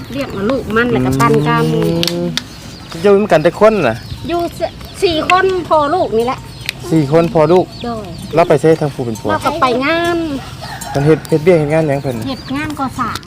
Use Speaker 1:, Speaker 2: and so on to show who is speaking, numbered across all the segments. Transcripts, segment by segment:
Speaker 1: เรียกมาลูกมันแล้วก็ปันกัน
Speaker 2: อยู่เหมือนกันแต่คนน่ะ
Speaker 1: อยู่4 คนพอลูกนี่แหละ
Speaker 2: 4 คนพอลูก
Speaker 1: โดย
Speaker 2: เราไปเซ่ทางผู้เป็นผัว
Speaker 1: เราก็ไปงาน
Speaker 2: มันเฮ็ดเบี้ยเฮ็ดงานหยังเพิ่น
Speaker 1: เฮ็ดงานก่อสร้าง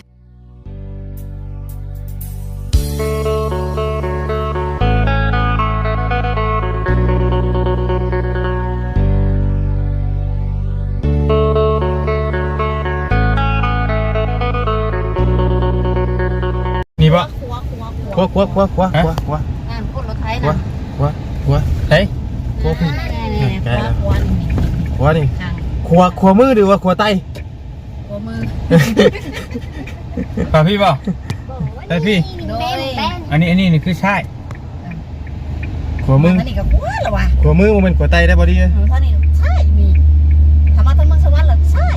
Speaker 2: นี่บ่ครัว
Speaker 1: งานคนรถไถนะ
Speaker 2: เฮ้ยครัวพี่ครัวนี่ครัวมือหรือว่าครัวไต
Speaker 1: ครัวมือ
Speaker 3: ป่ะพี่บ่ได้พี่อันนี้นี่คือใช่
Speaker 2: ครัวมือ
Speaker 1: อันนี้ก็ครัวเหรอวะ
Speaker 2: ครัวมือมันเป็นครัวไตได้บ่ดี
Speaker 1: ท่านี้ใช่มีธรรมะทั้งเมืองสวรรค์เหรอใช่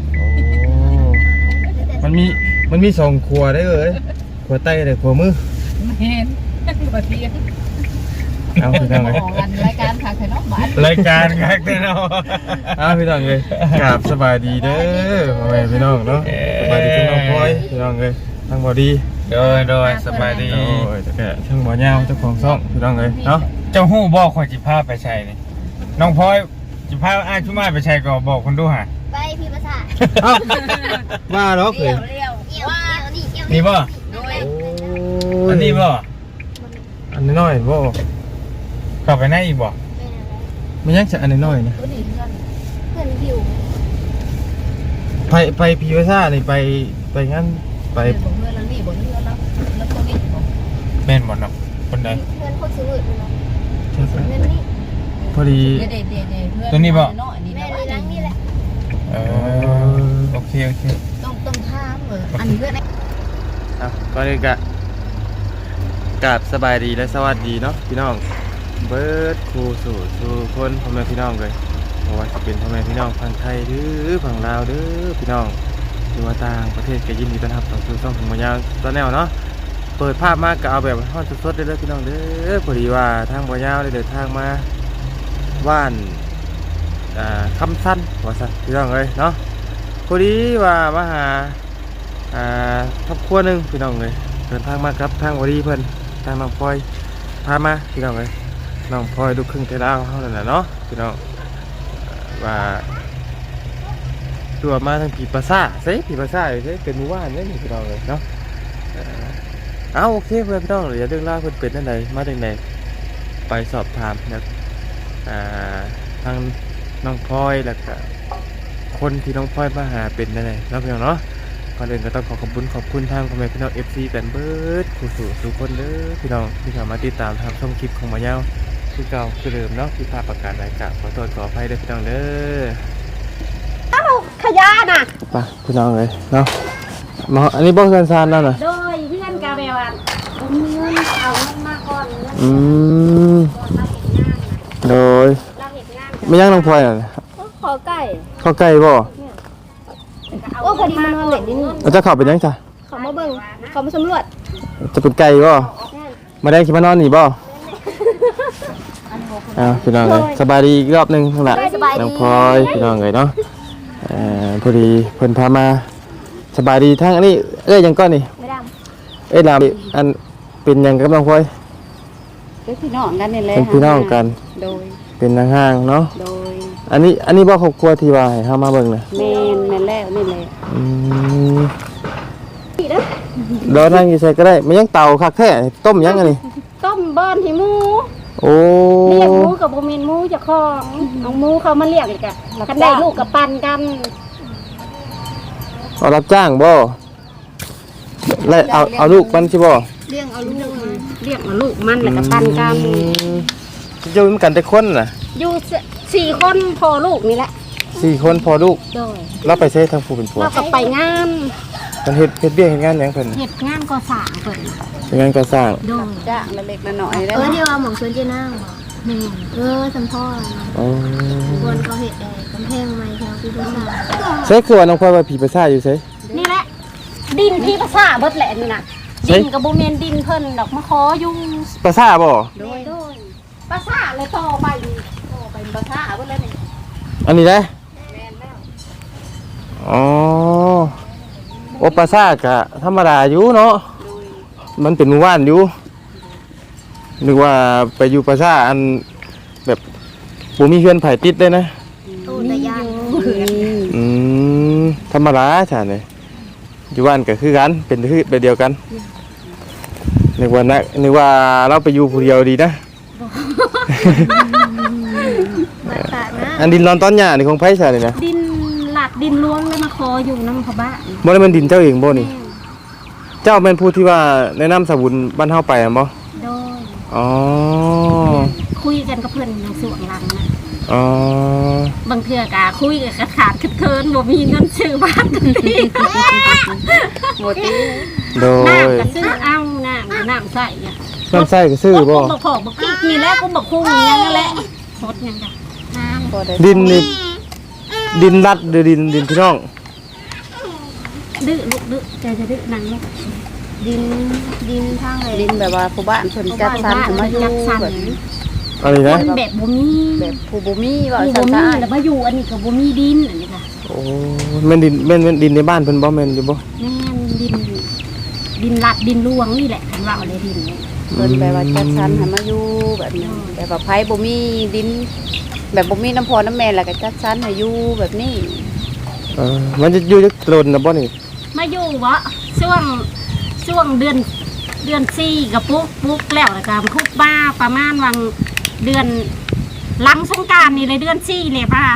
Speaker 2: มันมี2ครัวได้เลยครัวไตและครัวมือ
Speaker 1: เห็นบ่เที่ยง
Speaker 2: เอาพี่น้องเลย
Speaker 1: รายการค่ะใครน้องบ้าน
Speaker 3: รายการครับพี่น้อง
Speaker 2: เอาพี่น้องเลยกราบสบายดีเด้อพ่อแม่พี่น้องเนาะสบายดีพี่น้องพลอยพี่น้องเลยทั้งบ่ดี
Speaker 3: โดยสบายดี
Speaker 2: โอ้ยแต่แกทั้งบ่ยาวเจ้าของซ่องพี่น้องเลยเนาะ
Speaker 3: เจ้าฮู้บอกข่อยจิพาไปใช้นี่น้องพลอยจิพาอ้ายชุมาไปใช้ก็บอกคนดูหา
Speaker 1: ไปพี่ภาษา
Speaker 2: เอ้าว่าหรอกเลย
Speaker 3: นี่บ่อันนี้บ่
Speaker 2: อันน้อยบ่
Speaker 3: กลับไปไหนอีกบ่
Speaker 2: มันยังจะอันน้อยนะ
Speaker 1: เพื่อนหิว
Speaker 2: ไปพิวซ่านี่ไปงั้นไป
Speaker 1: เพื่อนแล้วนี่บ่เพื่อนแล้วคนนี้บ่
Speaker 3: แม่นบ่เนาะคนใด
Speaker 1: เพื่อนคนซื้อเนาะเพื่อนนี่
Speaker 2: พอดี
Speaker 3: ตัวนี้บ่
Speaker 1: แม่นี่ล้างนี่แหละ
Speaker 3: โอเค
Speaker 1: ต้องถามอันนี้เพื่อน
Speaker 2: ก็เลยกะกราบสบายดีและสวัสดีเนาะพี่น้องเบิร์ดครูสู่คนพ่อแม่พี่น้องเลยเพราะว่าจะเป็นพ่อแม่พี่น้องฝั่งไทยหรือฝั่งลาวหรือพี่น้องหรือว่าต่างประเทศก็ยินดีต้อนรับเข้าสู่ช่องของมายาวตอนแนวเนาะเปิดภาพมากก็เอาแบบห้องสดๆได้เลยพี่น้องเด้อพอดีว่าทางมายาวได้เดินทางมาว่านคำสั้นว่าสั้นพี่น้องเลยเนาะพอดีว่ามาหาครอบครัวหนึ่งพี่น้องเลยเดินทางมาครับทางวอดีเพื่อนทางน้องพลอยพามาพี่น้องเลยน้องพลอยลูกครึ่งไทยลาวเขานั่นแหละเนาะพี่น้องว่าตัวมาทางผีปลาซ่าเซ่ผีปลาซ่าเซ่เป็นหมู่บ้านนี่พี่น้องเลยเนาะเอาโอเคเพื่อนพี่น้องอย่าเรื่องเล่าเพื่อนเป็นนั่นไหนมาจากไหนไปสอบถามนะทางน้องพลอยแล้วก็คนที่น้องพลอยมาหาเป็นนั่นไหนแล้วพี่น้องเนาะก่อนอื่นก็ต้องขอบคุณทางพ่อแม่พี่น้อง FC แฟนเบิร์ดผู้สู่ทุกคนเด้อพี่น้องที่สามารถติดตามทางช่องคลิปของมายาวคือเก่าคือเดิมเนาะที่ภาพประกาศรายการขอโทษขออภัยด้วยพี่น้องเด้อ
Speaker 1: ขยะน่ะ
Speaker 2: ไปพี่น้องเลยเนาะมาอันนี้บอกซานๆแล้วนะ
Speaker 1: โดยเพื่อนกาเบลอ่ะผมมีเงินเอาเงินมาก่อน
Speaker 2: โดยไม่ยังน้องพลอยอ่ะ
Speaker 1: ขอไก่
Speaker 2: ข้าวไก่บ่
Speaker 1: ว่าพอดีมันนอนเล่นนี่
Speaker 2: เราจะขับไปยังจ้ะ
Speaker 1: เขามาเบิ่งเขามาสำรวจ
Speaker 2: จะเป็นไก่บ่มาได้คิดมานอนนี่บ่พี่น้องเลยสบายดีอีกรอบนึงทั้งหลายน้องพลอยพี่น้องเลยเนาะพอดีเพิ่นพามาสบายดีทั้งอันนี้ยังก้อนนี่ลามอันเป็นยังกับน้องพลอย
Speaker 1: เป็นพี่น้องกันนี่แหละ
Speaker 2: เป็นพี่น้องกัน
Speaker 1: โดย
Speaker 2: เป็นนางห้างเนาะ
Speaker 1: โดย
Speaker 2: อันนี้บ่ครอบครัวที่ว่าให้เฮามาเบิ่งน่ะ
Speaker 1: แม่นแล้วนี่แหละ
Speaker 2: ดอกนั่งอยู่ใส่ก็ได้มันยังเต่าคักแท้ต้มยังอันนี้
Speaker 1: ต้มเบิ้นให้หมู
Speaker 2: โอ้
Speaker 1: เลี้ยงหมูกับบ่แม่นหมูเจ้าของเอาหมูเขามาเลี้ยงอีกอ่ะกันได้ลูกกับปันกัน
Speaker 2: เอารับจ้างบ่แล้วเอาลูกมันสิบ่
Speaker 1: เลี้ยงเอาลูกเลี้ยงเอาลูกมันแล้วก็ปันกัน
Speaker 2: อยู่เหมือนกันแต่คนน่ะ
Speaker 1: อยู่4 คนพอลูกนี่แหละ
Speaker 2: 4 คนพอลูก
Speaker 1: โดย
Speaker 2: เราไปเซ่ทางผู้เป็นผัว
Speaker 1: เราก็ไปงาน
Speaker 2: มันเฮ็ดเบี้ยเฮ็ดงานหยังเพิ่น
Speaker 1: เฮ็ดงานก่อสร้างเพิ่น
Speaker 2: งานก่อสร้าง
Speaker 1: โดยจ้างเล็กๆน้อยๆได้เดี๋ยวหม่องสวนเจนางสัมพ่อคนเขาเฮ็ดกำแพงใหม่แถวพี่ภาษา
Speaker 2: ใช่คือว่าน้องพลอยว่าผีภาษาอยู่ไส
Speaker 1: นี่แหละดินพี่ภาษาเบิดแหละนี่น่ะดินก็บ่แม่นดินเพิ่นดอกมาขออยู่
Speaker 2: ภาษาบ่
Speaker 1: โดยภาษาเลยต่อไปภาษาเบิดเลยนี่
Speaker 2: อันนี้ได้
Speaker 1: แม่นแล้ว
Speaker 2: อ๋อโอภาษาก็ธรรมดาอยู่เนาะมันเป็นหมู่บ้านอยู่นึกว่าไปอยู่ประชาอันแบบบ่มีเฮือนไผติดเลยนะ
Speaker 1: ตู้ตะยาน
Speaker 2: ธรรมดาใช่ไหมอยู่บ้านก็คือกันเป็นคือไปเดียวกันนึกว่าเราไปอยู่ผู้เดียวดีนะ
Speaker 1: มาตากนะ
Speaker 2: อันดินร้อนตอนหญ้านี่ของไผใช่เลยนะ
Speaker 4: ดินหลักดินล้วงแล้วมาคออยู่น้ำเขาบ้าน
Speaker 2: บ่ได้มันดินเจ้าเองบ่นี่เจ้าเป็นผู้ที่ว่าแนะนำสบุญบ้านเฮาไปอ่ะบ่
Speaker 4: โดย
Speaker 2: อ๋อ
Speaker 4: คุยกันกับเพื่อนในส่วนหลังนะ
Speaker 2: อ๋อบ
Speaker 4: างเทื่อกะคุยกับกระขาดเคินบ่มีเงินซื้อบ้านกันที
Speaker 1: หมดตี
Speaker 2: โดย
Speaker 4: น้ำก็ซื้อเอาน้ำใส่อะ
Speaker 2: น้ำใส่ก็ซื้อบ่
Speaker 4: บอกพอกบอกกิ๊กนี่แหละกูบอกคู่นี่ยังแหละสดยังกะน้ำ
Speaker 2: ดินนี่ดินรัดหรือดินพี่น้อง
Speaker 4: ดื้อลูกดื้อจะดื้อนังลูก
Speaker 1: ดินทางไหน
Speaker 5: ดินแบบว่าผู้บ้านเพิ่นจัดสรรให้มาอยู่
Speaker 4: จัดสรร
Speaker 5: แบบ
Speaker 2: อะไรนะ
Speaker 4: คนแบบบ่มี
Speaker 5: แบบผู้บ่มีว่า
Speaker 4: บ่
Speaker 5: ซั่น
Speaker 4: มี
Speaker 5: ซะ
Speaker 4: แล้วมาอยู่อันนี้ก็บ่มีดินอันนี้ค่ะ
Speaker 2: โอ้แม่นดินในบ้านเพิ่นบ่แม่นอยู่บ่
Speaker 4: แม่นดินลัดดินลวงนี่แหละคันว่าเอาได้ดินเนี่ย
Speaker 5: เพิ่นแบบว่าจัดสรรให้มาอยู่แบบนี้แบบว่าไผบ่มีดิน แบบบ่มีน้ำพอน้ำแม่แล้วก็จัดสรรให้อยู่แบบนี้
Speaker 2: มันจะอยู่จักโดนน่ะบ่นี่
Speaker 4: มาอยู่วะช่วงเดือน4กับปุ๊กแล้วก็คุกบ้าประมาณวังเดือนหลังสงกรานต์นี่เลยเดือน4เลยป้า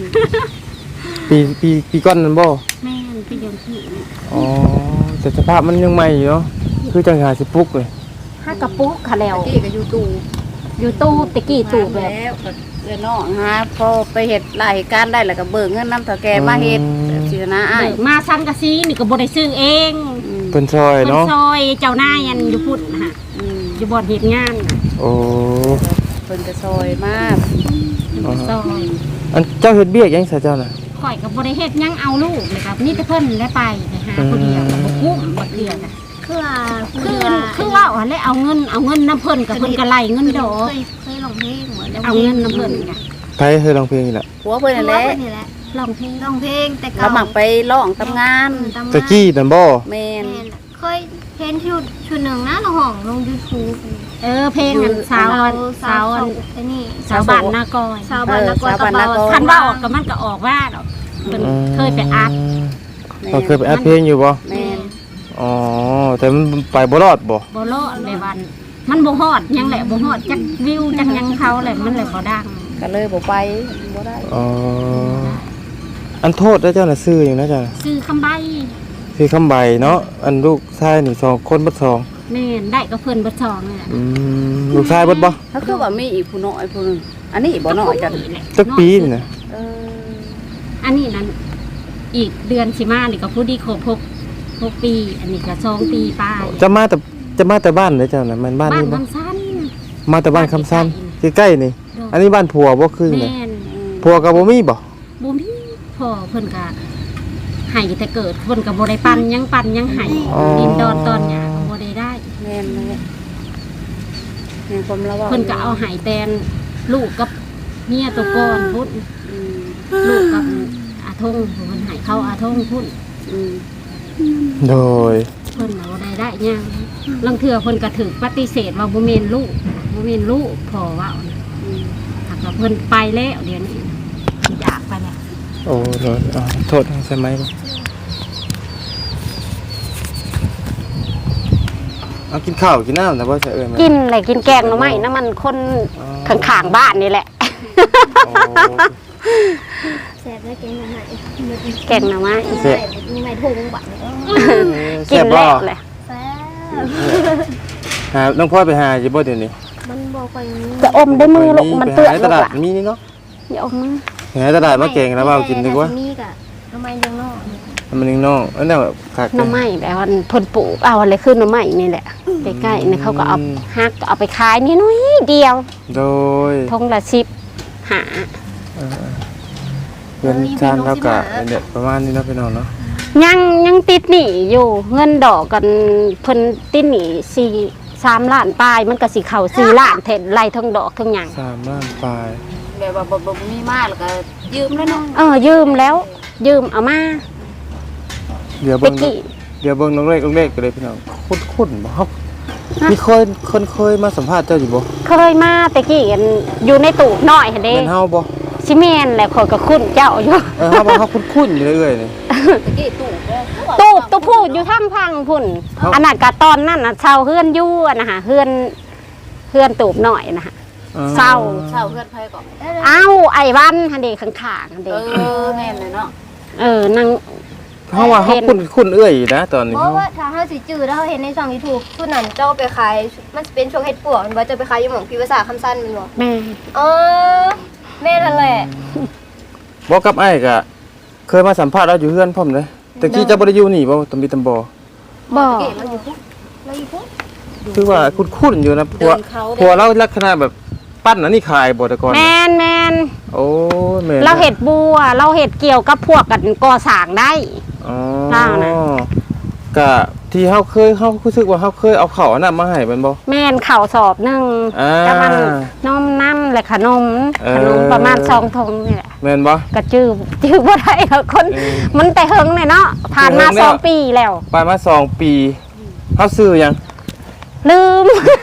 Speaker 2: ปีก่อนนั่นบ่
Speaker 4: แม่นไปเดือน4นี่
Speaker 2: อ๋อแต่สภาพมันยังใหม่อยู่เนาะคือจังหาสิปลุกเลย
Speaker 4: ถ้ากับปุ๊กค่ะแล้ว
Speaker 5: ตะกี้ก็อยู่ตู้
Speaker 4: อยู่ตู้ตะกี้ตู้แบบ
Speaker 5: แล้วก็เอื้อน้องหาพอไปเฮ็ดรายการได้แล้วก็เบิกเงินนำเฒ่าแก่มาเฮ็ดแบบสินะอ้า
Speaker 4: เบิ
Speaker 5: ย
Speaker 4: กมาซันกะซีนี่ก็บ่ได้ซื้อเอง
Speaker 2: เพิ่นซอย
Speaker 4: คน
Speaker 2: เนาะ
Speaker 4: ซอยเจ้านายยันอยู่พุ่นนะฮะ
Speaker 5: อืม
Speaker 4: อยู่บ่อนเฮ็ดงาน
Speaker 2: โอ้
Speaker 5: เพิ่นก็ซอยมาก
Speaker 4: ซอย
Speaker 2: อันเจ้าเฮ็ดเบี้ยยังซะเจ้าน่ะ
Speaker 4: ข่อยกับบริเฮ็ดหยังเอาลูกเลยครับนี่แต่เพิ่นได้ไปหาคนเดียวกับบ่กุ้มบ่เดือดน่ะ คือว่าว่าแล้วเอาเงินน้ำเพิ่นกับเพิ่นก็ไล่เงินดอก
Speaker 1: เคยลองเพลงเหมือน
Speaker 4: เอาเงินน้ำเพิ่นน่ะ
Speaker 2: ไผเคยร้องเพลงนี่แหละ
Speaker 5: ผัวเพิ่นนั่นแหละ
Speaker 1: นี่แหละ
Speaker 4: ร้องเพลง
Speaker 1: ลองเพลงแต่
Speaker 5: เรามักไปร้องทำงาน
Speaker 2: ตะกี้นั่นบ่
Speaker 5: แม่น
Speaker 1: เคยเพลงชุดหนึ่งนะเราห้องลง YouTube
Speaker 4: เพลงนั้นสาวอัน
Speaker 1: ไอ้นี่
Speaker 4: สาวบ้านนากอย
Speaker 1: สาวบ้านนากอยกระเป๋า
Speaker 4: คันว่าออกก็มันก็ออกว่าดอกเพิ่นเคยไปอัด
Speaker 2: เราเคยไปอัดเพลงอยู่บ่
Speaker 5: แม่น
Speaker 2: อ๋อแต่มันไปบ่รอดบ่
Speaker 4: บ่รอดเลยวันมันบ่ฮอดหยังแหละบ่ฮอดจักวิวจักหยังเขาแหละมันเลยบ่ดัง
Speaker 5: ก็เลยบ่ไปบ่ได้
Speaker 2: อ๋ออันโทษแล้วเจ้าน่ะซื้ออยู่นะเจ้าน่ะ
Speaker 4: ซื้อคำใบ
Speaker 2: ซื้อคำใบเนาะอันลูกชายนี่2คนบ่สอง
Speaker 4: แม่นได้ก็เพิ่นบ่ซองนี่แหละ
Speaker 2: ลูกชายเบิดบ่
Speaker 5: ถ้าคือว่ามีอีกผู้น้อยผู้หนึงอันนี้บ่น้อยจัง
Speaker 2: จักปีนี่นะ
Speaker 5: เออ
Speaker 4: อันนี้นั้นอีกเดือนสิมานี่ก็ผู้ดีครบ6 ปี อันนี้ก็2 ปีป้าย
Speaker 2: จะมาแต่บ้านเลยเจ้าน่ะมันบ้าน
Speaker 4: บ้าน
Speaker 2: นี้บ่
Speaker 4: คำสั้น
Speaker 2: มาแต่บ้านคำซันใกล้ๆนี่ อันนี้บ้านผัวบ่คือ
Speaker 4: แม่
Speaker 2: นี่
Speaker 4: น
Speaker 2: ผัวก็บ่มีบ่
Speaker 4: บ่มีพ่อเพิ่นก็ให้แต่เกิดเพิ่นก็บ่ได้ปั่นหยังให้ดินดอนตอนหญ้าก็บ่ได้ได้
Speaker 5: แม่นเลยแม่นความระวัง
Speaker 4: เพิ่นก็เอาให้แตนลูกกับเมียตัวก่อนพุ่น
Speaker 5: อืม
Speaker 4: ลูกกับอาทงเพิ่นให้เข้าอาทงพุ่น
Speaker 5: อืม
Speaker 2: โดย
Speaker 4: เพิ่นน่ะบ่ได้หยังลางเทื่อเพิ่นก็ถูกปฏิเสธว่าบ่แม่นลูกพ่อเว้านะ
Speaker 5: อืม
Speaker 4: หากว่าเพิ่นไปแล้วเดี๋ยวนี้อยากไปแล้ว
Speaker 2: โอ้โดยโทษใช่ไหมบ่เอากินข้าวกินน้ำแต่ว่าจะเอิ้นไหม
Speaker 4: กินอะไรกินแกงหน่อไม้น้ำมันคนข้างๆบ้านนี่แหละ
Speaker 2: โอ้
Speaker 1: แซ่บได้แกงไหน
Speaker 4: แกงหน่อไม้
Speaker 2: แซ่บ
Speaker 1: มีไหนทุ่งบัตร
Speaker 4: กิน
Speaker 2: บ่
Speaker 4: แล้วแหละ
Speaker 1: แซ่บ
Speaker 2: หาน้องพ่อไปหาอยู่บ่เดี๋ยวนี้
Speaker 1: มันบอกไป
Speaker 4: จะอมได้มือลูกมันเปื้อน
Speaker 2: ไปหาใน
Speaker 4: ลู
Speaker 2: ต
Speaker 4: ก
Speaker 2: ลาด
Speaker 4: ล่ะ
Speaker 2: มีนี่เนาะ
Speaker 4: อย่าอมมือ
Speaker 2: หาในตลาดมาแกงแล้วเอากินดีกว่า
Speaker 1: มีกะทำไมยังนอก
Speaker 2: มันนึงน้องอันนั้นแบบคัก
Speaker 4: หน่อไม้แบบว่าเพิ่นปลูกเอาอะไรขึ้นหน่อไม้นี่แหละใกล้ๆนี่เขาก็เอาฮักเอาไปขายนี่น้อยเดียว
Speaker 2: โดย
Speaker 4: ทงละ10หา
Speaker 2: เงินชานเท่ากับเนี่ยประมาณนี้เนาะพี่น้องเนาะ
Speaker 4: ยังติดหนี้อยู่เงินดอกกันเพิ่นติดหนี้3 ล้านปลายมันก็สิเข้า4 ล้านเทศไล่ทั้งดอกทั้งหยัง
Speaker 2: 3 ล้านปลาย
Speaker 5: แบบว่าบ่มีมากแล้วก็ยืมแล้วเนาะ
Speaker 4: ยืมแล้วยืมเอามา
Speaker 2: เดี๋ยว
Speaker 4: ตะ
Speaker 2: เบิ่ง
Speaker 4: กี้
Speaker 2: น้องเล็กก็เลยพี่น้องคุ้นๆบ่ครับมีคนเคยมาสัมภาษณ์เจ้าอยู่บ่
Speaker 4: เคยมาแต่กี้อันอยู่ในตู้น้อยหั่นเด้
Speaker 2: แม่นเฮาบ่
Speaker 4: สิแม่นแหละข่อยก็คุ้นเจ้าอยู่
Speaker 2: เฮาบ่เฮาคุ้นๆอยู่เรื่อยๆนี่
Speaker 5: ตะกี้ตู่เด้อ
Speaker 4: ตู้พูดอยู่ทางพังพุ่น
Speaker 2: เอ้า
Speaker 4: อันนั้นก็ตอนนั้นน่ะเช่าเฮือนอยู่อะนะฮะเฮือนตูบน้อยนะฮะเช่า
Speaker 5: เช่าเพื่อนไผก่อน
Speaker 4: เอ้าไอ้วันหั่นเด้ข้างๆหั่นเด้
Speaker 5: แม่นเลยเนาะ
Speaker 4: นาง
Speaker 2: เฮาว่าเฮาคุ้นเอื้อยนะตอนนี้
Speaker 1: เพราะว่าถ้าเฮาสิจื้อแล้วเฮาเห็นในช่อง YouTube ชุดนั้นเจ้าไปขายมันสิเป็นช่วงเฮ็ดปวกมันบ่จะไปขายอยู่หม่องพิภาษาคำสั้นแม่นบ่
Speaker 4: แม่
Speaker 1: อ๋อแม่นั่นแหละ
Speaker 2: บ่กับไอ้ก็เคยมาสัมภาษณ์เราอยู่เฮือนพร้อมเลยแต่กี้เจ้าบ่ได้อยู่นี่บ่ตำบิตำบ่
Speaker 4: บ่
Speaker 1: เก๋เราอยู่พุเราอยู่พุ
Speaker 2: คือว่าคุ้นๆอยู่นะผัวเราลักษณะแบบปั้นอันนี้ขายบ่แต่ก่อน
Speaker 4: แม่น
Speaker 2: โอ้แม่น
Speaker 4: เราเฮ็ดบัวเราเฮ็ดเกี่ยวกับพวกกันก่อสร้างได้
Speaker 2: อ๋อ
Speaker 4: เล่านะ
Speaker 2: ก็ที่เฮารู้สึกว่าเฮาเคยเอาข้าวอันนั้นมาให้มันบ่
Speaker 4: แม่นข้าวสอบหนึง
Speaker 2: อ่า
Speaker 4: ก็มันนมน้ำและขนมประมาณ2ถุงนี่แหละ
Speaker 2: แม่นบ่
Speaker 4: ก็จื้อบ่ได้ค่ะคน มันแต่เฮิงเลยเนาะผ่านมา
Speaker 2: แต่เฮิงแล้ว
Speaker 4: 2 ปีแล้ว
Speaker 2: ไปมา2 ปีเฮาซื้อหยัง
Speaker 4: ลืม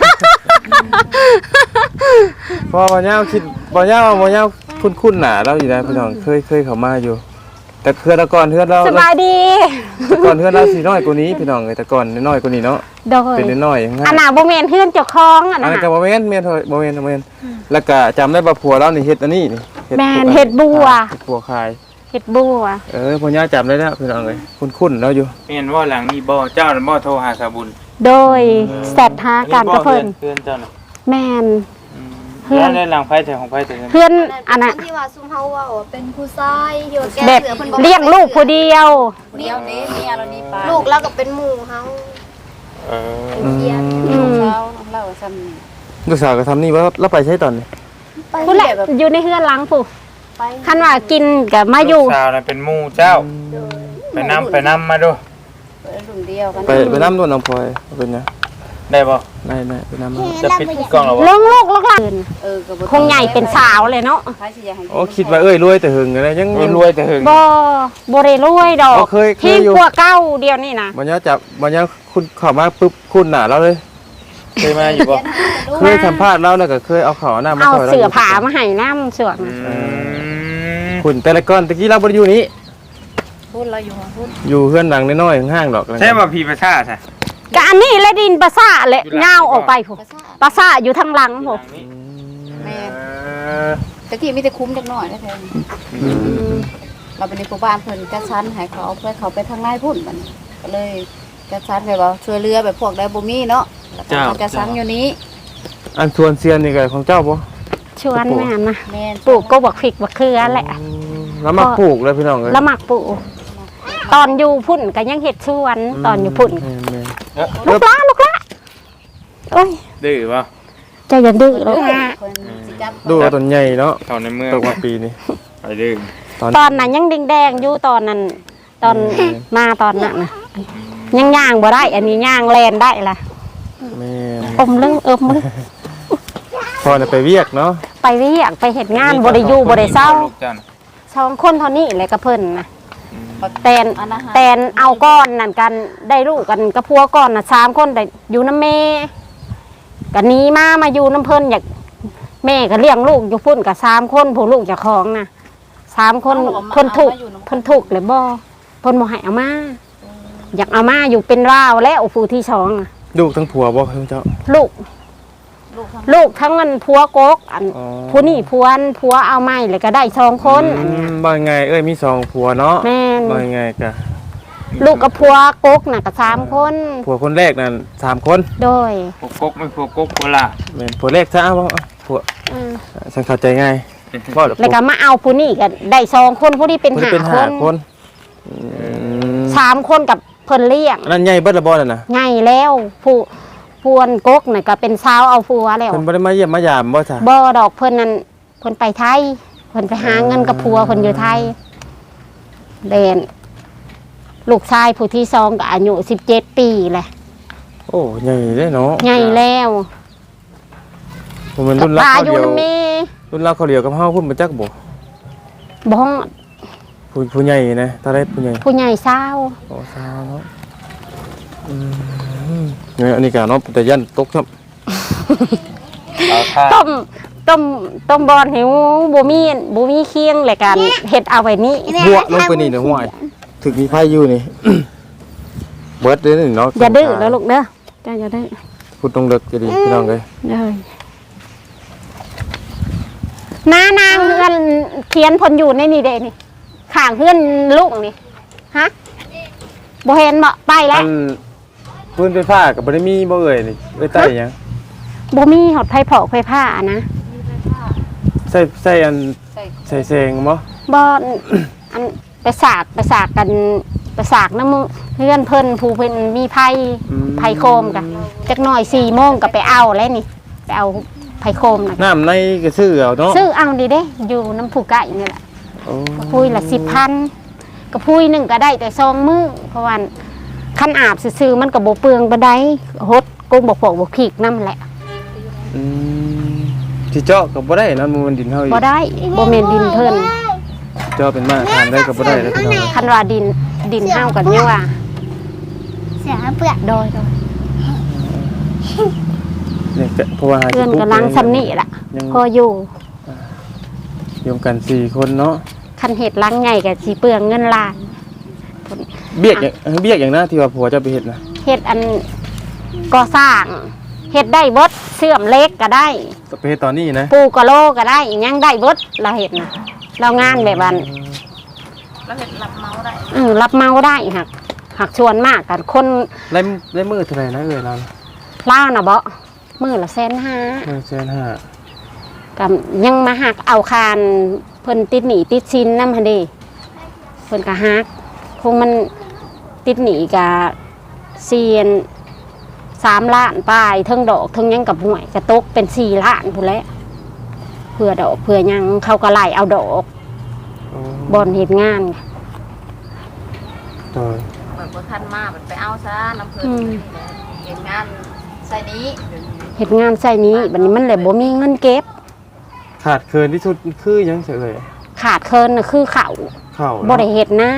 Speaker 2: เพราะบ่ยาวคิดบ่ยาวคุ้นๆหน้าเราอยู่นะพี่น้องเคยเข้ามาอยู่ แต่แต่ก่อนเฮือนเรา
Speaker 4: สบายดี
Speaker 2: แต่ก่อนเฮือนเราสิน้อยกว่านี้พี่น้องเอ้ยแต่ก่อนน้อยกว่านี้เนาะ
Speaker 4: โดย
Speaker 2: เป็นน้อยๆง่าย
Speaker 4: อันน่ะบ่แม่นเฮือนเจ้าของอัน
Speaker 2: อัน
Speaker 4: น่ะ
Speaker 2: นั้นก็บ่แม่นบ่แม่นแล้วก็จำได้ว่าผัวเรานี่เฮ็ดอันนี้นี่
Speaker 4: แม่นเฮ็ดบัว
Speaker 2: เฮ็ดบัวขาย
Speaker 4: เฮ็ดบัว
Speaker 2: พ่อย่าจำได้แล้วพี่น้องเอ้ยคุ้นๆแล้วอยู่
Speaker 3: แม่นว่าหลังนี้บ่เจ้าน่ะบ่โทรหาสาบุญ
Speaker 4: โดยแซดหากันกับเพิ่น
Speaker 3: เพื่อนเจ้าน่ะ
Speaker 4: แม่น เพื่
Speaker 3: เพื่
Speaker 4: อ
Speaker 3: อน นได้หลังไผแต่ของไผแต่กัน
Speaker 4: เพื่อนอันน่ะ
Speaker 1: ที่ว่าซุมเฮาว่าเป็นผู้ชายที่ว่าแก้
Speaker 4: แบบ
Speaker 1: เสือเพิ่นบ่
Speaker 4: เลี้ยงลูกผู้เดียว
Speaker 5: เดียวนี้เมียเรานี่ปลา
Speaker 1: ลูกเราก็เป็นหมู่เฮา
Speaker 3: เออ
Speaker 1: เฮียน
Speaker 4: อืม
Speaker 5: เช้าเล่าซ้ำ
Speaker 2: ลูกสาวก็ทำนี่ว่าเราไปใช้ตอนนี้
Speaker 4: ผู้แหละอยู่ในเฮือนหลังผู้
Speaker 1: ไป
Speaker 4: คันว่ากินก็มาอยู่
Speaker 3: ลูกสาวน่ะเป็นหมู่เจ้า ไปนำมาดู
Speaker 5: รุ่นเดียวกัน
Speaker 2: ไปน้ำด้วยน้องพลอยเป็นไง
Speaker 3: ได้บ่
Speaker 2: ได้ไปน้ำมา
Speaker 3: จะปิดกล้องแล้วบ่
Speaker 4: ลงลูกลูกหลาน
Speaker 5: ก็บ่
Speaker 4: คงใหญ่เป็นสาวเลยเนาะ
Speaker 5: ใครสิอยากให้
Speaker 2: โอ้คิดว่ารวยแต่หึงอะไรยัง
Speaker 3: รวยแต่หึง
Speaker 4: บ่ได้รวยดอก
Speaker 2: เคย
Speaker 4: ที่
Speaker 2: อยู่
Speaker 4: กว่าเก้าเดียวนี่นะ
Speaker 2: บ่ย่าจับบ่ย่าคุณเข้ามาปุ๊บคุณหน้าเราเลย
Speaker 3: เคยมาอยู่บ่
Speaker 2: เคยสัมภาษณ์เราแล้วก็เคยเอาข้าวหน้ามา
Speaker 4: เอา
Speaker 2: ซอยเรา
Speaker 4: เสือผามาให้น้ำเสือก
Speaker 2: คุณแต่ละก้อนตะกี้เราบ่ได้อยู่นี้
Speaker 5: พูดเราอยู่พูด
Speaker 2: อยู่เฮือนหลังน้อยๆห้างๆดอก
Speaker 3: ใช่บ่พี่ประชาใช่
Speaker 4: ก็อันนี้และดินปลาซ่าและเงาออกไปผู้ปลาซ่าอยู่ทางหลังผู้
Speaker 5: แม่ตะกี้มีแต่คุ้มจักหน่อยนะแท้เราเป็นในหมู่บ้านเพิ่นจัดสรรให้เขาเอาเพื่อเขาไปทางนายพุ่นมันก็เลยจัดสรรแบบว่าช่วยเหลือแบบพวกได้บ่มีเนาะแล้วก็มาจัดสรรอยู่นี้
Speaker 2: อันชวนเซียนนี่ก็ของเจ้าบ่
Speaker 4: ชวนแม่นะ
Speaker 5: แม่น
Speaker 4: ปลูกก็บักพริกบักเขือแหละ
Speaker 2: แล้วมาปลูกเลยพี่น้องเอ้ย
Speaker 4: แล้วหมักปลูกตอนอยู่พุ่นก็ยังเห็ดชวนตอนอยู่พุ่น
Speaker 2: แม่
Speaker 4: ลูกละโอ้ย
Speaker 3: ดื้อบ่
Speaker 4: ใจอย่าดื้อลูกละ
Speaker 5: เพิ่นสิจับ
Speaker 2: ดูว่าต้นใหญ่เนาะ
Speaker 3: เข้าในเมือง
Speaker 2: ตกมาปีนี้
Speaker 3: ไปดื้อ
Speaker 4: ตอนนั้นยังแดงๆอยู่ตอนนั้น ตอนมาตอนนั้นนะยังย่างบ่ได้ อันนี้ย่างแลนได้ล่ะ
Speaker 2: แม่
Speaker 4: อมลึงลึง
Speaker 2: พอเนี่ยไปเวียกเนาะ
Speaker 4: ไปเรียกไปเห็ดงานบ่ได้อยู่บ่ได้เศร้า
Speaker 3: ลูกจ้น่ะ
Speaker 4: สองคนเท่านี้เลยกับเพิ่นนะแตน
Speaker 5: อันอาหาร
Speaker 4: แตนเอาก้อนนั่นกันได้ลูกกันกับพัวก้อนน่ะ3คนได้อยู่น้ำแม่กันนี้มาอยู่น้ำเพิ่นอยากแม่ก็เลี้ยงลูกอยู่พุ่นกับ3คนผู้ลูกเจ้าของน่ะ3คนเพิ่นถูกเลยบ่เพิ่นบ่ให้เอามาอยากเอามาอยู่เป็นราวแล้วผู้ที่สองน่ะ
Speaker 2: ลูกทั้งผัวบ่เจ้า
Speaker 4: ลูกทั้งนั้นพัวกกอัน
Speaker 2: อ๋อ
Speaker 4: ผู้นี่พัวเอาไม้เลยก็ได้2คนอันเนี้ย
Speaker 2: บ่ไงมี2ผัวเนาะ
Speaker 4: แม่น
Speaker 2: บ่ไงกะ
Speaker 4: ลูกกับพัวกกน่ะก็3คน
Speaker 2: ผัวคนแรกนั่น3คน
Speaker 4: โดย
Speaker 3: พวกกกไม่พวกกกโคราช
Speaker 2: แม่นผัวแรกซะเอาผัว
Speaker 4: อืม
Speaker 2: ฉันเข้าใจง่ายบ่ดอก
Speaker 4: แล้วก็มาเอาผู้นี่ก็ได้2คนผู้ที่เป็น
Speaker 2: ผู้ที่เป็น
Speaker 4: 5
Speaker 2: ห้า
Speaker 4: คน
Speaker 2: คน
Speaker 4: 3 คนกับเพิ่นเลี้ยง
Speaker 2: อันนั้นใหญ่เบิดละบ่นั่นน่ะ
Speaker 4: ใหญ่แล้วผู้พวนกกน่ะก็เป็นสาวเอาผัวแล้ว
Speaker 2: เพิ่นบ่ได้มาเยี่ยมมายามบ่จ้ะ
Speaker 4: บ่ดอกเพิ่นนั่นเพิ่นไปไทยเพิ่นไปหาเงินกับผัวเพิ่นอยู่ไทยเด่นลูกชายผู้ที่2ก็อายุ17 ปีแหละ
Speaker 2: โอ้ใหญ่เด้เนาะ
Speaker 4: ใหญ่แล้ว
Speaker 2: ผมเป็นรุ่นรัก
Speaker 4: ตา
Speaker 2: เขา
Speaker 4: อยู่
Speaker 2: เดียว
Speaker 4: นำแม่
Speaker 2: รุ่นรักเขาเดียวกับเฮาพุ่นบ่จักบ่
Speaker 4: บ่ฮอด
Speaker 2: ผู้ใหญ่นะถ้าได้ผู้ใหญ่
Speaker 4: ผู้ใหญ่สาว
Speaker 2: โอ้สาวเนาะเนี่ยอันนี้ก็เนาะแต่ยันตกครับ
Speaker 3: เอาท่า
Speaker 4: ต้มบอนหิวบ่มีเคียงเลยกันเฮ็ดเอาไว้นี่
Speaker 2: บัวลงไปนี่เด้อห้วยถึกมีไผอยู่นี่ เบิดเลยนี่เนาะ
Speaker 4: อย่าดื้อแล้วลูกเด้อจ้าอย่าดื้อ
Speaker 2: พูดตรงเลิกจะดีพี่น้องเอ้ย
Speaker 4: เด้อนางเฮือนเขียนผลอยู่ในนี่เด้นี่ข้างเฮือนลูกนี่ฮะบ่เห็นบ่ไปแล้ว
Speaker 2: ปืนไฟฟ้าก็บ่ได้มีบ่เอ่ยนี่เอ้ยใต้หยัง
Speaker 4: บ่มีหอดไผเผาไผผ้านะ
Speaker 2: ใส่อัน
Speaker 5: ใส่
Speaker 2: ใส่แซงบ่
Speaker 4: บ่อันไปสากกันไปสากน้ำมือเพื่อนเพิ่นผู้เพิ่นมีไผโคมกะจักหน่อย4 โมงก็ไปเอาแล้วนี่ไปเอาไผโคมน่ะ
Speaker 2: น้ำในก็ซื้อเอาเนาะ
Speaker 4: ซื้อเอาดีเด้อยู่น้ำผู้ไก่นี่แหละ
Speaker 2: โอ้
Speaker 4: กระพุ้ยละ10,000กระพุ้ยหนึงก็ได้แต่2 มื้อเพราะว่าคันอาบซื่อๆมันก็บ่เปลืองบ่ได้หดกุ้งบ่พวกบ่ขีกนำแหละ
Speaker 2: อืมสิเจาะก็บ่ได้นะมันดินเฮาอีก
Speaker 4: บ่ได้บ่แม่นดินเพิ่น
Speaker 2: เจาะเป็นมาทานได้ก็บ่ได้แล้วพี่น้อง
Speaker 4: คันว่าดินเฮากันยังว่า
Speaker 1: เสียเปลือก
Speaker 4: โดย
Speaker 2: เนี่ยก็เพราะว่า
Speaker 4: เพื่อนกำลังซ้ำนี่ล่ะพออยู่
Speaker 2: อยู่กัน4คนเนาะ
Speaker 4: คันเห็ดลังใหญ่กับสีเปลืองเงินล้าน
Speaker 2: เบี้ยอย่างนะที่ว่าผัวจะไปเฮ็ดนะ
Speaker 4: เห็ดอันก่อสร้างเห็ดได้เบดเสื่อมเล็กก็ได้
Speaker 2: ไปเฮ็ดตอนนี้นะ
Speaker 4: ปูกะโลก็ได้อิหยังได้เบดเราเห็ดนะเรางานแบบนั้น
Speaker 5: แล้วเฮ็ดรับเมาได้
Speaker 4: รับเมาได้หักชวนมากกันคน
Speaker 2: ได้มื้อเท่าไหร่นะเอ้ยเรา
Speaker 4: เล่าวนะเบามือละ150,000
Speaker 2: 150,000
Speaker 4: กับยังมาหักเอาคานเพิ่นติดหนีติดชินน้ำฮันเดีเพิ่นก็หักคงมันติดหนีกับเซียน3 ล้านปลายเทิงดอกเทิงหยังกับหวยกระตกเป็น4 ล้านพู้นแหล้วเพื่อดอกเพื่อหยังเขาก็ไล่เอาดอกบอนเหตุงาน
Speaker 2: ต่อ
Speaker 5: เหมือนบ่ทันมามันไปเอาซะน้ำเพิ่นเฮ็ดงานใส่นี้
Speaker 4: เหตุงานใส่นี้บัดนี้มันเลยบ่มีเงินเก็บ
Speaker 2: ขาดเคินที่สุดคือหยังเฉย
Speaker 4: ขาดเคินน่ะคือเขา
Speaker 2: ข้าว
Speaker 4: บ่ได้เฮ็ดนะ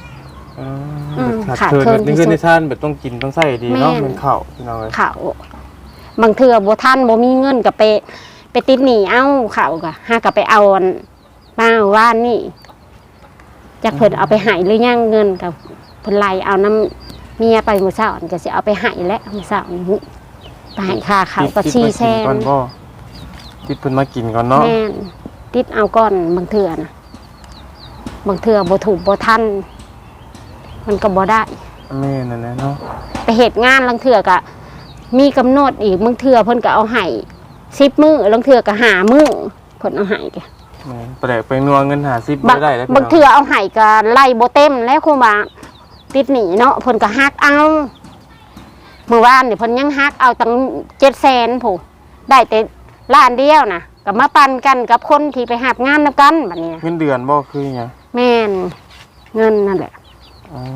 Speaker 2: ขาดเคินแบบในชาติแบบต้องกินต้องใส่ดีเนาะเป็นข้าวพี่น้องเอ้ย
Speaker 4: เขาบางเทื่อบ่ทันบ่มีเงินก็ไปติดหนี้เอาเขาก็หาก็ไปเอาอันมาว่านนี่จักเพิ่นเอาไปให้หรือยังเงินก็เพิ่นไล่เอาน้ำเมียไปมื้อเช้าอันก็สิเอาไปให้แล้วมื้อเช้านี้ไปให้ค่าเขาก็400,000
Speaker 2: ก่อนบ่คิดเพิ่นมากินก่อนเนาะ
Speaker 4: แม่นติดเอาก่อนบางเทื่อนะบางเทื่อบ่ถูกบ่ทันมันก็บ่ได้
Speaker 2: แม่นั่นแหละเนาะ
Speaker 4: ไปเหตุงานบางเทื่อก็มีกำหนดอีกบางเทื่อเพิ่นก็เอาให้10 มื้อบางเทื่อก็5 มื้อเพิ่นเอาให้แก
Speaker 2: แม่นแปลกไปนัวเงิน50บ่ได้แล้วพี่
Speaker 4: บาง
Speaker 2: น้อง
Speaker 4: เทื่อเอาให้ก็ไล่บ่เต็มแล้วคงว่าติดหนี้เนาะเพิ่นก็ฮักเอาเมื่อวานนี่เพิ่นยังฮักเอาตั้ง700,000ผู้ได้แต่ล้านเดียวนะก็มาปันกันกับคนที่ไปหับงานนำกันบัดนี้
Speaker 2: เงินเดือนบ่คือหยัง
Speaker 4: แม่นเงินนั่นแหละ
Speaker 2: อ๋อ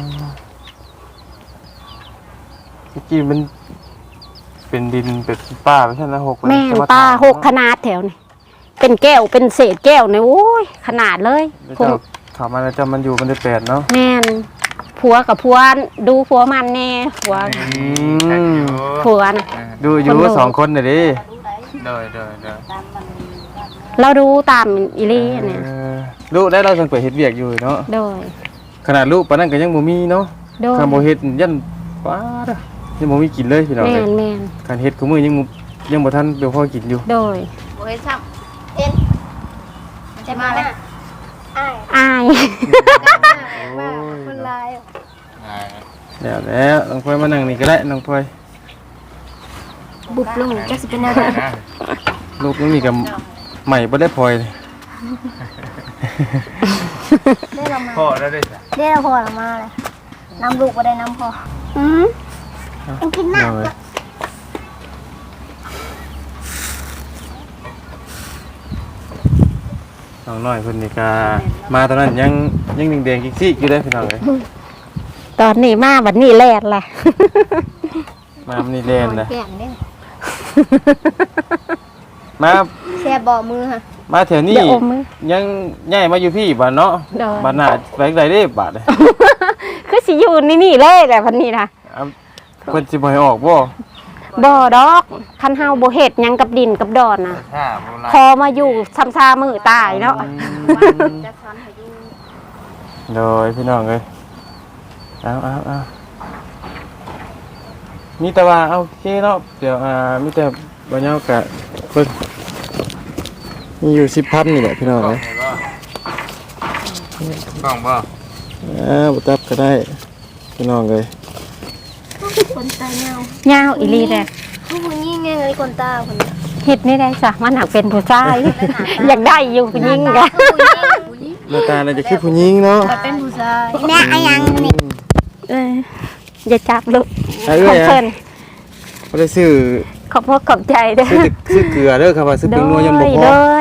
Speaker 2: เมื่อกี้มันเป็นดินเป็นป้าไปใช่ไหม6
Speaker 4: แม่นป้า6ขนาดแถวนี่เป็นแก้วเป็นเศษแก้วนี่โอ้ยขนาดเลย
Speaker 2: เจ้าเข้ามาแล้วเจ้ามันอยู่มันได้8เนาะ
Speaker 4: แม่นผัวกับผัวดูผัวมันแน่ผัวผัวนะ
Speaker 2: ดูอยู่2คนน่ะดิ
Speaker 3: เด้อ
Speaker 5: ตามมัน
Speaker 4: เราดูตามอีหลีเนี่ย
Speaker 2: ลูกได้เราจังเปิดเฮ็ดเวียกอยู่เนาะ
Speaker 4: โดย
Speaker 2: ขนาดลูกปานนั้นก็ยังบ่มีเนาะ
Speaker 4: โดย
Speaker 2: คันบ่เฮ็ดยันป้าเด้อยังบ่มีกินเลยพี่น้อง
Speaker 4: แม่
Speaker 2: เอ้ย
Speaker 4: นแม่น
Speaker 2: คันเฮ็ดกูมื้อยังบ่ทันเดี๋ยวพอกินอยู่
Speaker 4: โดย
Speaker 5: บ่เฮ็ดซ้ำเอ็นมันจะมาเลย
Speaker 4: อาย
Speaker 1: ว่าคนลาย
Speaker 2: แล้วน้องพลอยมานั่งนี่ก็ได้น้องพลอย
Speaker 1: บุบลงจะสิเป็นอะไร
Speaker 2: ลูกน้องนี่ก็ใหม่บ่ได้พลอยเลย
Speaker 1: ได้เรามา
Speaker 3: พ่อแล้วได้จ้ะ
Speaker 1: ได้เราพอเรามาเลยน้ำลูกก็ได้น้ำพอมันกินหนัก
Speaker 2: น้องน้อยเพิ่นนี่ก็มาตอนนั้นยังแดงๆกิ๊กๆอยู่เด้อพี่น้องเอ้ย
Speaker 4: ตอนนี้มาบัดนี้แลดแหละ
Speaker 2: มามันนี่แล่นนะ
Speaker 1: แก่งเนี่ย
Speaker 2: มา
Speaker 1: แซ่บบ่มือค่ะ
Speaker 2: มาแถวนี้
Speaker 4: เดี๋ยวอมมือ
Speaker 2: ยังย้ายมาอยู่พี่บ้านเนาะ
Speaker 4: โดย
Speaker 2: บ้านหน้าไปไกลเด้บาดเลย
Speaker 4: คือสิอยู่นี่เลยแหละพันนี้นะ
Speaker 2: เอาเพิ่นสิบ่ให้ออกบ่
Speaker 4: บ่ดอกคันเฮาบ่เฮ็ดหยังกับดินกับดอนน่ะ
Speaker 3: ถ้าโบราณ
Speaker 4: พอมาอยู่ซ้ำซามือตายเนาะ
Speaker 5: จัดสรรให้อยู่
Speaker 2: โดยพี่น้องเอ้ยเอามีแต่ว่าโอเคเนาะเดี๋ยวมีแต่บ่ยาวกะเพิ่นมีอยู่ 10,000 นี่แหละพี่น้องเอ้ย
Speaker 3: กล้องบ่
Speaker 2: บ่ตับก็ได้พี่น้องเอ้ย
Speaker 1: คนตาเงาย
Speaker 4: าวอีหลีแหละ
Speaker 1: ผู้หญิงไงเลยคนตาคนนี้
Speaker 4: เฮ็ดนี่ได้จ้ะมันหักเป็นผู้ชาย อยากได้อยู่ผู้หญิงกะ
Speaker 2: หน้าตาน่าจะคือผู้หญิงเนาะ
Speaker 1: เป็นผู้ชาย
Speaker 4: แม่อายังนี่อย่าจับลูก
Speaker 2: เอ้
Speaker 4: ขอย บเพิ่น
Speaker 2: บ่ได้ซื้อ
Speaker 4: ขอบพระขอบใจเด้อ
Speaker 2: ซื้อเกลือเด้อครับว่าซื้อเป็นนัวยันบ่พ
Speaker 4: โด
Speaker 2: อย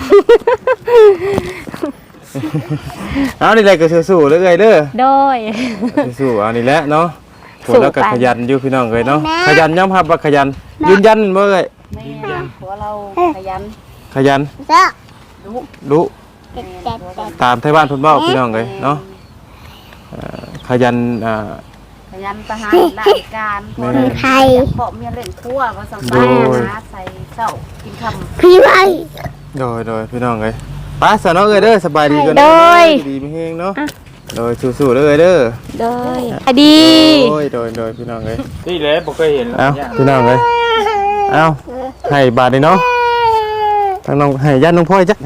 Speaker 2: เอานี่แหละก็สู้ๆเลยเอ้ยเด้อ
Speaker 4: โดย
Speaker 2: สู้ๆเอานี่แหละเนาะผ
Speaker 4: สู้
Speaker 2: ลแล้วก็
Speaker 4: ไป
Speaker 2: ขยันอยู่พี่น้องเอ้ยเนาะขยันยอมรับว่าขยันยืนยันบ่เอ้ย
Speaker 5: แม่ผัวเราขยัน
Speaker 2: ขยัน
Speaker 1: จ้ะ
Speaker 2: รู้
Speaker 5: แม่ผัวเรา
Speaker 2: ตามไทบ้านเพิ่นเว้าพี่น้องเอ้ยเนาะขยัน
Speaker 5: ขยันทหารราชการคนไทยเพาะเมียเล่นครัวก็สบายหาใส่เช้ากินค่ำ
Speaker 1: พี่ไว้
Speaker 2: โดยพี่น้องเอ้ยไปซะเนาะเอ้ยเด้อสบายดีกัน
Speaker 4: โดย
Speaker 2: ดีมีเฮงเนาะโดยสู้ๆเด้อเอ้ยเด้อ
Speaker 4: โดยอดี
Speaker 2: โดยพี่น้องเอ้ย
Speaker 3: นี่แหละบ่เคยเห็น
Speaker 2: เอ้าพี่น้องเอ้ยเอ้าให้บาทเลยเนาะทางน้องให้ญาติน้องพ่อยจัก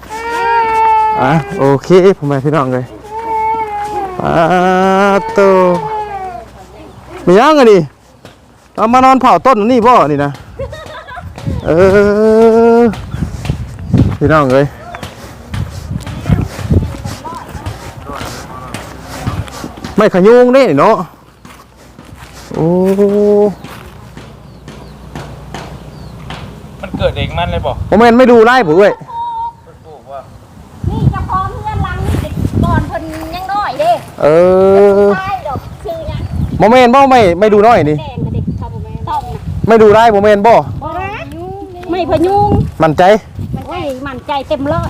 Speaker 2: โอเคผมไปพี่น้องเลยโตมียังไงดิเอามานอนเผาต้นนี่บ่นี่นะพี่น้องเลยไม่ขยุงนี่เนาะโอ้
Speaker 3: มันเกิดเองมันเลยบ่
Speaker 2: ผมไม่ดูไล่ผมเว้ย
Speaker 4: นี่จะพร้อมเพื่อนลังนี่ก่อนเพิ่นยังน้อยเด้ ใช่ดอกคือหยัง
Speaker 2: โมเมนต์บ่ไม่ดูน้อยนี่
Speaker 4: แดงก็ดิครับบ่แม่นต้องนะ
Speaker 2: ไม่ดูไล่โมเมนต์บ่
Speaker 4: บ่ไม่พยุง
Speaker 2: มั่นใจ
Speaker 4: โอ้ยมั่นใจเต็มร้อย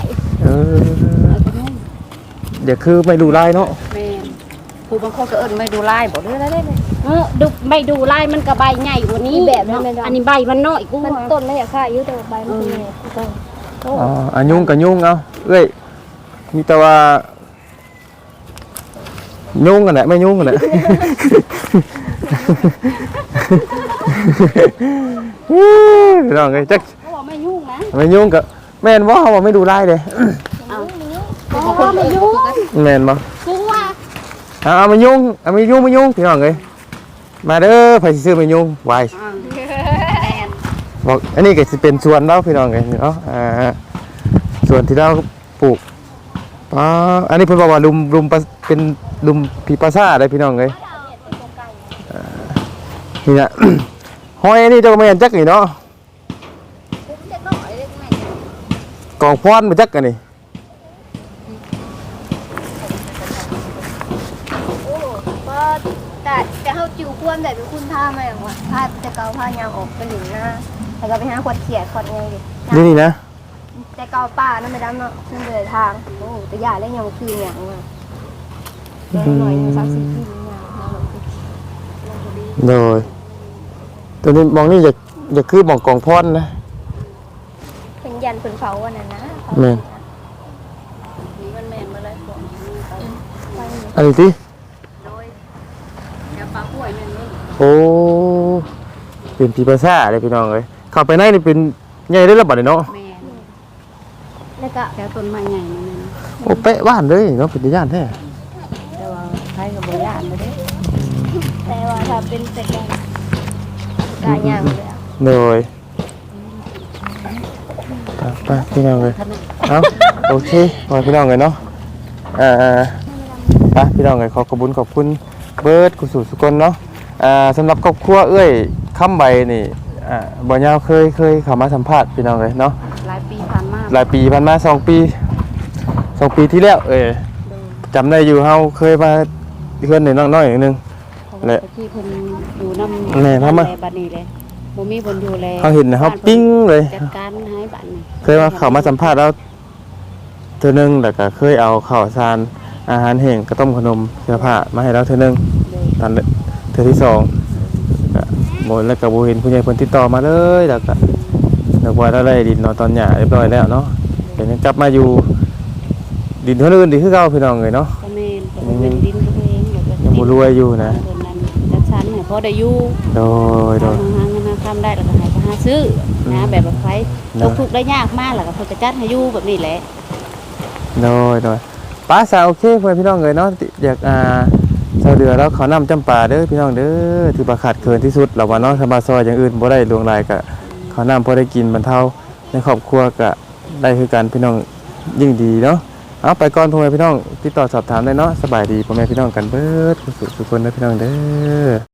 Speaker 2: เดี๋ยวคือไม่ดูไล่เนาะ
Speaker 5: แม่ผู้บางคนก็เอิ้นไม่ดูลายบ่ได้เลย
Speaker 4: ดูไม่ดูลายมันก็ใบใหญ่กว่านี้แบบอันนี้ใบมันน้อยกู
Speaker 1: มันต้นไม่อยากฆ่าอายุแต่ใบมันเป็นไงต้น
Speaker 2: อันยุ่งกับยุ่งเอาเอ้ยมีแต่ว่ายุ่งกันแหละไม่ยุ่งกันแหละพี่น้องไงจัก
Speaker 4: เขาบอกไม่ยุ่งนะ
Speaker 2: ไม่ยุ่งกับแม่นบ่เขาบอกไม่ดูไล่เลย
Speaker 5: ผู้บางคนก็เอิ้นบ่กัน
Speaker 2: แม่นบ่
Speaker 4: กูว่า
Speaker 2: เอาไม่ยุ่งพี่น้องเลยมาเด้อไผสิซื้อไม่ยุ่งไว
Speaker 5: แม่น
Speaker 2: บอกอันนี้ก็สิเป็นสวนเราพี่น้องเลยเนาะสวนที่เราปลูกอันนี้เพิ่นบอกว่าลุมเป็นลุมผีปลาซ่าได้พี่น้องเลยนี่นะ ห้อยอันนี้เจ้าก็ไม่เห็นจักนี่เนาะกองพรมาจักกันนี่
Speaker 1: ก็แต่เขาจิ๋วควนแต่เป็นคุณท่ามาอย่างว่าพาแต่เกาผ้ายางออกไปหนึ่งหน้าแต่ก็ไปหาขวดเขียดขวดไงดิ
Speaker 2: นี่นะ
Speaker 1: แต่เกาป่านั่นไม่ได้เนาะนั่นเลยทางโอ้แต่ยาเล่นยังคืออย่างว่าหน่อยยัง3-4 ปีอย่าง
Speaker 2: โดยตัวนี้มองนี่อย่าคือมองกองพรนะ
Speaker 1: เป็นยันเป็นเผาวันนั้นนะ
Speaker 2: แม่น
Speaker 5: นี่มันแม่นบ่เลยพวกนี้เขา
Speaker 2: อันนี้ติ
Speaker 5: โดยแถวปลาห้วยแม่นเลย
Speaker 2: โอ้เป็นผีปลาซ่าเลยพี่น้องเลยเข้าไปในนี่เป็นใหญ่ได้ระบาดเลยเนาะ
Speaker 5: แม่น
Speaker 1: แล้วก็
Speaker 5: แถวต้นไม้ใหญ่นั่นน่ะ
Speaker 2: โอ้เป๊ะบ้านเลยเนาะเป็นย่านแท้
Speaker 5: แต่ว่าใครก็บ่ย่านเลยเด้
Speaker 1: แต่ว่าถ้าเป็นแต่กายางเลย
Speaker 2: โดยไปพี่น้องเลยเอาโอเคพอพี่น้องเลยเนาะไปพี่น้องเลยขอบคุณเบิร์ดกุศลสุกลเนาะสำหรับครอบครัวเอ้ยค้ำใบนี่บ่ยาวเคยเข้ามาสัมภาษณ์พี่น้องเลยเนาะ
Speaker 5: หลายปีผ่านมา
Speaker 2: หลายปีผ่านมา2 ปีที่แล้วจำได้อยู่เฮาเคยมาเพื่อนน้อยๆนึง
Speaker 5: แหละที่เพิ่นอยู่นำ
Speaker 2: แม่ทำมา
Speaker 5: บัดนี้เลยบ่มีคนดูแล
Speaker 2: เขาเห็นนะเขาปิ้งเลย
Speaker 5: จัดการให้บัดนี้
Speaker 2: เคยมาเข้ามาสัมภาษณ์แล้วเธอนึงแต่ก็เคยเอาข้าวสารอาหารแห้งกระต้มขนมเสื้อผ้ามาให้เราเธอนึงตอนเธอที่2 บ่แล้วก็บ่เห็นผู้ใหญ่เพิ่นติดต่อมาเลยแล้วก็นึกว่าเราได้ดินเนาะตอนหญ้าเรียบร้อยแล้วเนาะเดี๋ยวนี้กลับมาอยู่ดินเท่าอื่นดีคือเก่าพี่น้องเอ้ยเนาะ
Speaker 5: ก็แม่นก็เป็นดินตัวเองแล้วก็
Speaker 2: ยังบ่รวยอยู่นะ
Speaker 5: เพิ่นนั้นจัดสรรให้พอได้อยู่
Speaker 2: โดย
Speaker 5: หาเงินมาทำได้แล้วก็ให้ไปหาซื้อนะแบบว่าไฟทุกข์ได้ยากมากแล้วก็เพิ่นก็จัดให้อยู่แบบนี้แหละ
Speaker 2: โดยป้าสาวโอเคเพื่อนพี่น้องเลยเนาะอยากชาวเรือแล้วเขานำจำปาเด้อพี่น้องเด้อที่บ่ขาดเคินที่สุดเราว่าเนาะถ้ามาซอยอย่างอื่นบ่ได้ลวงลายก็เขานำพอได้กินบรรเทาในครอบครัวก็ได้คือกันพี่น้องยิ่งดีเนาะเอาไปก่อนพ่อแม่พี่น้องติดต่อสอบถามได้เนาะสบายดีพ่อแม่พี่น้องกันเบิดสุขสุขคนเด้อพี่น้องเด้อ